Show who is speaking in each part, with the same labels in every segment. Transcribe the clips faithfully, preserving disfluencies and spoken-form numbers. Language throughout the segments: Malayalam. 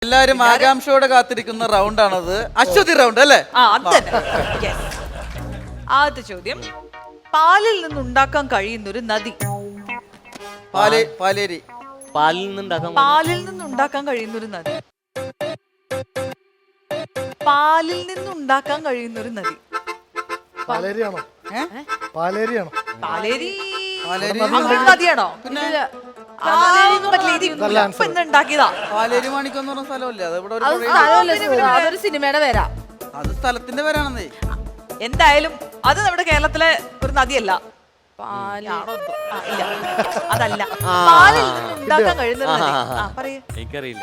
Speaker 1: എല്ലാരും ആകാംക്ഷയോടെ കാത്തിരിക്കുന്ന റൗണ്ട് ആണത്. അശ്വതി റൗണ്ട് അല്ലേ?
Speaker 2: ആദ്യത്തെ ചോദ്യം, പാലിൽ നിന്നുണ്ടാക്കാൻ കഴിയുന്നൊരു നദി.
Speaker 1: പാലേരി.
Speaker 3: പാലിൽ നിന്നുണ്ടാക്കാൻ
Speaker 2: പാലിൽ നിന്നുണ്ടാക്കാൻ കഴിയുന്നൊരു നദി. പാലിൽ നിന്നുണ്ടാക്കാൻ കഴിയുന്നൊരു നദി.
Speaker 4: പാലേരിയാണോ? പാലേരിയാണോ?
Speaker 2: പാലേരി
Speaker 1: പാലേരി
Speaker 2: നദിയാണോ? ഉണ്ടാക്കിയതാ.
Speaker 1: പാലേരി മാണിക്കെന്ന് പറഞ്ഞ സ്ഥലമല്ലേ അത്? ഇവിടെ
Speaker 5: അതൊരു സിനിമയുടെ പേരാ.
Speaker 1: അത് സ്ഥലത്തിന്റെ പേരാണെന്നേ.
Speaker 2: എന്തായാലും അത് നമ്മുടെ കേരളത്തിലെ ഒരു നദിയല്ല. അതല്ല, പാലിൽ ഉണ്ടാക്കാൻ കഴിയുന്ന
Speaker 3: എനിക്കറിയില്ല.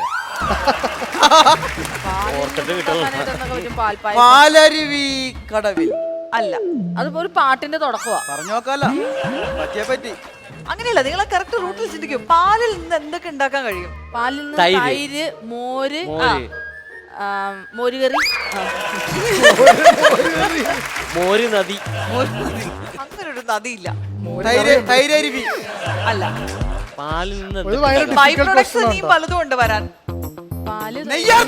Speaker 1: പാലരുവി കടവിൽ
Speaker 5: അല്ല, അതിപ്പോ ഒരു പാട്ടിന്റെ തുടക്കമാ.
Speaker 1: പറഞ്ഞു നോക്കാലോ, പറ്റിയെ പറ്റി.
Speaker 2: അങ്ങനെയല്ല, നിങ്ങളെ കറക്റ്റ് റൂട്ടിൽ ചിന്തിക്കും. പാലിൽ നിന്ന് എന്തൊക്കെ ഉണ്ടാക്കാൻ കഴിയും?
Speaker 5: പാലിൽ നിന്ന് തൈര്, മോര്, മോരുകറി,
Speaker 3: മോര് നദി.
Speaker 2: അങ്ങനെ ഒരു നദിയില്ല.
Speaker 1: തൈരരുവി
Speaker 2: അല്ല.
Speaker 3: പാലിൽ നിന്ന്
Speaker 2: ബൈ പ്രൊഡക്ട്സ് നീ പലതും ഉണ്ട് വരാൻ.
Speaker 5: പാല്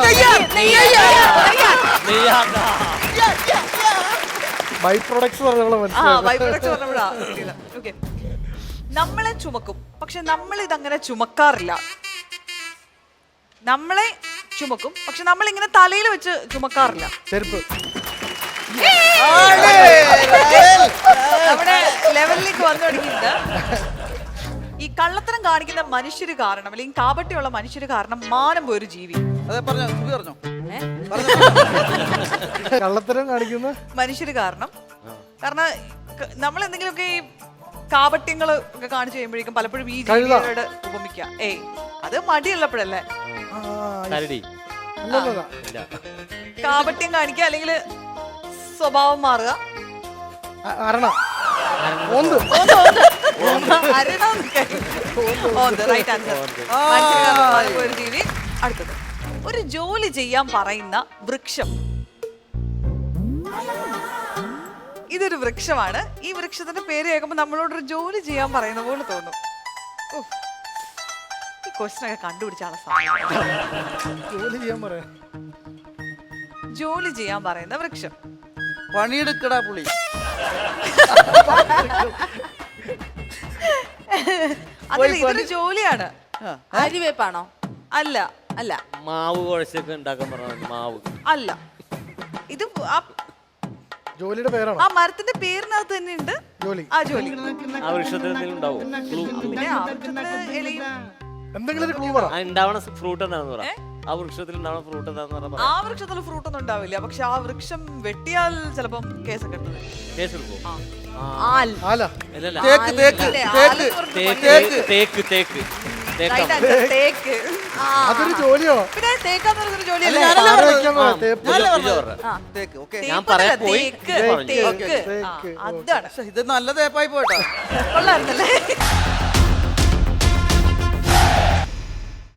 Speaker 4: ബൈ പ്രൊഡക്ട്സ്
Speaker 2: നമ്മളെ ചുമക്കും, പക്ഷെ നമ്മൾ ഇതങ്ങനെ ചുമക്കാറില്ല. നമ്മളെ ചുമക്കും, പക്ഷെ നമ്മൾ ഇങ്ങനെ തലയിൽ വെച്ച് ചുമക്കാറില്ല.
Speaker 4: ചെരുപ്പ്.
Speaker 2: നമ്മുടെ ലെവലിലേക്ക് വന്നു തുടങ്ങിയിട്ട് ഈ കള്ളത്തരം കാണിക്കുന്ന മനുഷ്യര് കാരണം, അല്ലെങ്കിൽ കാപട്യമുള്ള മനുഷ്യര് കാരണം മാനം പോയൊരു ജീവി.
Speaker 1: അതെ, പറഞ്ഞോ പറഞ്ഞോ.
Speaker 4: കള്ളത്തരം കാണിക്കുന്ന
Speaker 2: മനുഷ്യര് കാരണം കാരണം നമ്മൾ എന്തെങ്കിലുമൊക്കെ ഈ കാപട്യങ്ങൾ ഒക്കെ കാണിച്ചു കഴിയുമ്പോഴേക്കും പലപ്പോഴും ഈ ജീവികളോട് ഉപമിക്കുക. ഏയ് അത് മടിയുള്ളപ്പോഴല്ലേ കാപട്യം കാണിക്കുക, അല്ലെങ്കിൽ സ്വഭാവം മാറുക. ഒരു ജീവി. അടുത്തത്, ഒരു ജോലി ചെയ്യാൻ പറയുന്ന വൃക്ഷം. ഇതൊരു വൃക്ഷമാണ്. ഈ വൃക്ഷത്തിന്റെ പേര് കേൾക്കുമ്പോൾ നമ്മളോടൊരു ജോലി ചെയ്യാൻ പറയുന്ന പോലെ തോന്നും. ഈ ക്വസ്റ്റ്യൻ ഒക്കെ കണ്ടുപിടിച്ചാണ്
Speaker 4: ജോലി ചെയ്യാൻ പറയാ
Speaker 2: ജോലി ചെയ്യാൻ പറയുന്ന വൃക്ഷം.
Speaker 1: പണിയെടുക്കടാ പുളി.
Speaker 2: അതിൽ ഇതൊരു ജോലിയാണ്.
Speaker 5: അരിവേപ്പാണോ?
Speaker 2: അല്ല.
Speaker 5: അല്ല.
Speaker 3: മാവ് കുഴച്ചൊക്കെ ഉണ്ടാക്കാൻ പറഞ്ഞ മാവ്
Speaker 2: അല്ല. ഇത്
Speaker 4: ജോലിയുടെ പേരാണോ?
Speaker 2: ആ മരത്തിന്റെ പേരിനകത്ത് തന്നെ ഉണ്ട്
Speaker 4: ജോലി.
Speaker 2: ആ ജോലി.
Speaker 3: ആ വൃക്ഷത്തിൽ ഉണ്ടാവും.
Speaker 4: എന്തെങ്കിലും ഒരു ക്ലൂ പറ.
Speaker 3: ഉണ്ടാവണ ഫ്രൂട്ട് എന്താണെന്ന് പറ. ആ വൃക്ഷത്തിൽ ഉണ്ടാവണ ഫ്രൂട്ട് എന്താന്ന് പറഞ്ഞാൽ
Speaker 2: ആ വൃക്ഷത്തിൽ ഫ്രൂട്ട് ഒന്നും ഉണ്ടാവില്ല, പക്ഷെ ആ വൃക്ഷം വെട്ടിയാൽ ചിലപ്പം കേസൊക്കെ എടുത്തത്.
Speaker 3: കേസ് എടുക്കും. തേക്ക് തേക്ക്
Speaker 2: തേക്ക്
Speaker 4: അതൊരു ജോലിയോ?
Speaker 2: പിന്നെ തേക്കാന്ന് പറഞ്ഞൊരു ജോലിയല്ലേ?
Speaker 3: ഞാൻ പറയാൻ പോയി.
Speaker 2: അതാണ്.
Speaker 1: ഇത് നല്ല തേപ്പായി പോയിട്ടോ.
Speaker 2: കൊള്ളായിരുന്നല്ലേ?